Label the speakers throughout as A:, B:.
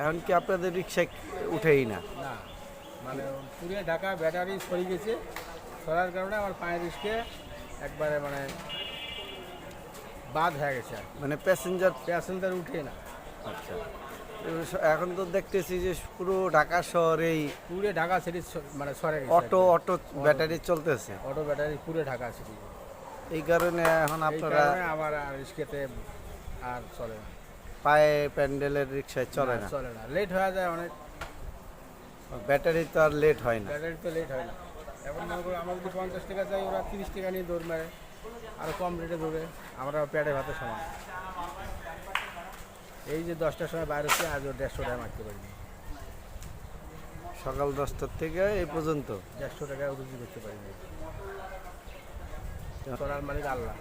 A: এখন কি আপনাদের রিক্সায় উঠেই না?
B: না, মানে পুরে ঢাকা ব্যাটারি সরে গেছে, সরার কারণে আমার পায়ের রিস্কে একবারে মানে বাদ হয়ে গেছে,
A: মানে
B: প্যাসেঞ্জার উঠে না।
A: আচ্ছা, এখন তো দেখতেছি যে পুরো ঢাকা শহরেই
B: পুরে ঢাকা সিটি মানে সরে গেছে,
A: অটো ব্যাটারি চলতেছে।
B: অটো ব্যাটারি পুরে ঢাকা সিটি।
A: এই কারণে এখন
B: এই
A: আপনারা
B: কারণে আমার আর রিস্কেতে আর চলে না,
A: পায়ে প্যান্ডেলের রিক্সায় চলে না।
B: চলে না, লেট হয়ে যায় অনেক।
A: ব্যাটারি তো আর লেট হয় না।
B: ব্যাটারি তো লেট হয় না। এখন মনে করো আমরা যদি 50 টাকা চাই, ওরা 30 টাকা নিয়ে দৌড় মারে, আরও কম রেটে দৌড়ে, আমরা পেটে ভাতে সমান। এই যে 10টার সময় বাইরে হচ্ছে, আজ 150 টাকা মারতে পারিনি।
A: সকাল 10টার থেকে এই পর্যন্ত
B: 150 টাকা রুজি করতে পারিনি। করার মালিক আল্লাহ,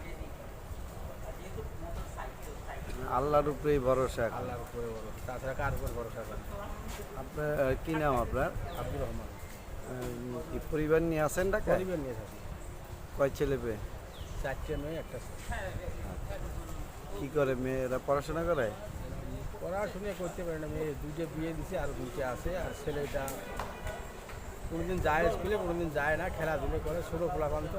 A: আল্লাহর উপরেই ভরসা এখন।
B: আল্লাহর উপরে বড়, তাছাড়া কার উপর ভরসা করে?
A: আপনার কি নাম আপনার?
B: আব্দুর রহমান।
A: কি পরিবার নিয়ে আছেন ঢাকায়?
B: পরিবার নিয়ে থাকি,
A: কয় ছেলে পেয়ে?
B: 4টে মেয়ে, একটা ছেলে।
A: কি করে মেয়েরা? পড়াশোনা করে?
B: পড়াশুনো করতে পারে না, মেয়ে 2টে বিয়ে দিছে, আর 2টে আছে। আর ছেলেটা কোনোদিন যায় স্কুলে, কোনোদিন যায় না, খেলাধুলো করে, ছোটো খোলাপান তো।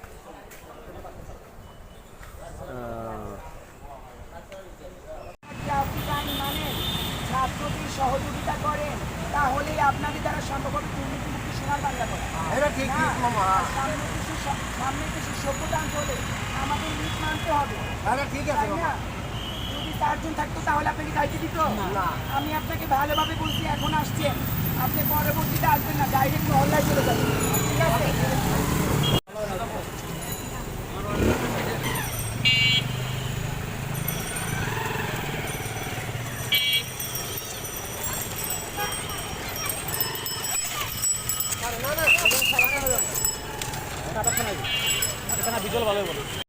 C: আপনি গান মানেন, ছাত্রদের সহযোগিতা করেন, তাহলেই আপনাদের দ্বারা সম্ভব হবে দুর্নীতিমুক্ত সোনার বাংলা করা।
D: এটা ঠিক
C: না,
D: মামা।
C: সামনের দেশে সভ্যতা আনতে আমাদের নীত মানতে হবে,
D: আরে ঠিক আছে
C: তাই
D: মামা।
C: না? যদি 4 জন থাকতো তাহলে আপনাকে দায়িত্ব দিত
D: না।
C: আমি আপনাকে ভালোভাবে বলছি, এখন আসছেন, আপনি পরবর্তীতে আসবেন না, ডাইরেক্ট মহল্লায় চলে যাবেন, ঠিক আছে?
B: বিজল ভালো বলো।